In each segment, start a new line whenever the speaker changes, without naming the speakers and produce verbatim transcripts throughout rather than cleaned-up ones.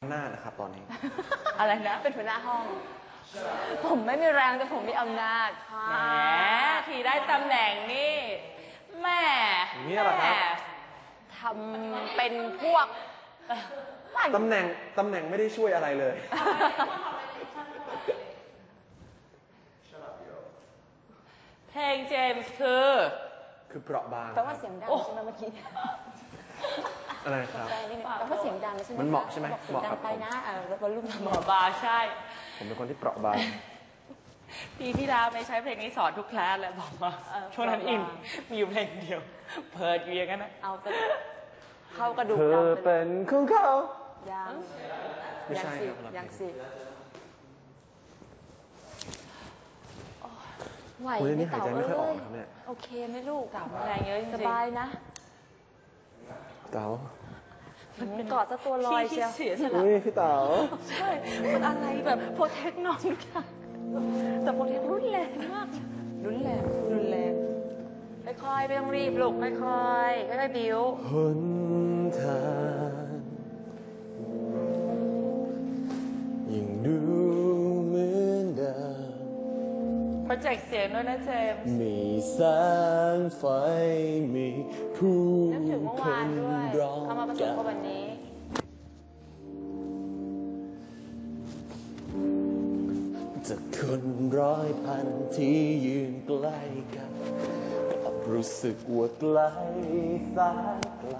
หน้านะครับตอนนี้
อะไรนะ
เป็นหัวหน้าห้อง ผมไม่มีแรงแต่ผมมีอำนาจค่ะ
แหมทีได้ตำแหน่งนี่แม่
อย่างนี้เหรอครับ
ทำเป็นพวก
ตำแหน่งตำแหน่งไม่ได้ช่วยอะไรเลย
เพลงเจมส์คือ
คือเปราะบาง
แปลว่าเสียงดังใช่ไหมเมื่อกี้
อะไรครับ
แปลนี่แปลว่าเสียงดังใช่ไหม
มันเหมาะใช่ไหม
บอกเสีย
เหมาะ
งดั
กับ
งไป
ผม
นะเออแล้วก็ลุ่ม
หมอบาใช่
ผมเป็นคนที่เปราะบาง
ปีที่แล้วไม่ใช้เพลงนี้สอนทุกคลาสเลยบอกว่าช่วงนั้นอินมีอยู่เพลงเดียว เพิร์ดอยู่อย่างนั้นนะ
เอาแต่เข้ากระดูก
เธอ
ดำไปเล
เป็
ย
นของเขา
ยัง
ไม่ใช่
สิ
ครับ
ยังสิไหว
โอ้ย
ไหม
นี่หาย
เต่า
ใจไม่ค่อยออก
เอ้ย
นะครับเนี่ย
โอเคไหมลูก
เต่าแรงเยอะจริงๆ
สบายนะ
เต๋า
มันกอดซะตัวลอยเชียว
เสียสละ
อุ้ยพี่เต๋า
ใช่มันอะไรแบบโปรเทคน้องทุกอย่างแต่โปรเทครุนแรงมากรุนแรงรุนแรงค่อยๆไม่ต้องรีบลูกค่อยๆค่อยๆบิ้ว
หนทางยิ่งดูเหมือนเดิม
โปรเจกต์เสียงด้วยนะเจมส์
มีแสงไฟมีผู้
นึกถึงเมื่อ
ค
วาน
น
ด้วย
ร้อง
เขามาประสบกับวันนี้
จากคนร้อยพันที่ยืนใกล้กันกลับรู้สึกว่าไกลแสนไกล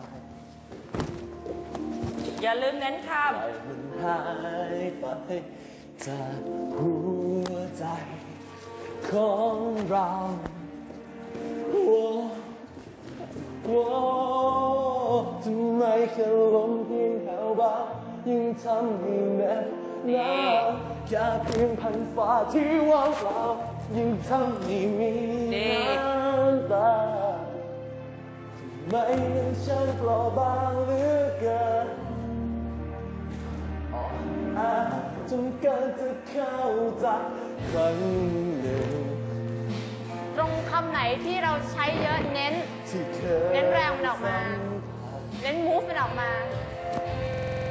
อย่าลืมเน้นค
ใจมันหายไปจากหัวใจของเราโอ้โอ้ทำไมแค่ลมเพียงแถวบ้านยังทำให้แน่หนาวแค่เพียงพันฟ้าที่ว่างเปล่ายังทำให้มีน้ำตาทำไมมันช่างเปราะบางเหลือเกินอาจจนเกินจะเข้าใจครั้งหนึ่ง
ตรงคำไหนที่เราใช้เยอะเน้น
ที่เคย
เน้นแรงมันออกมา เน้นมูฟมันออกมา
ท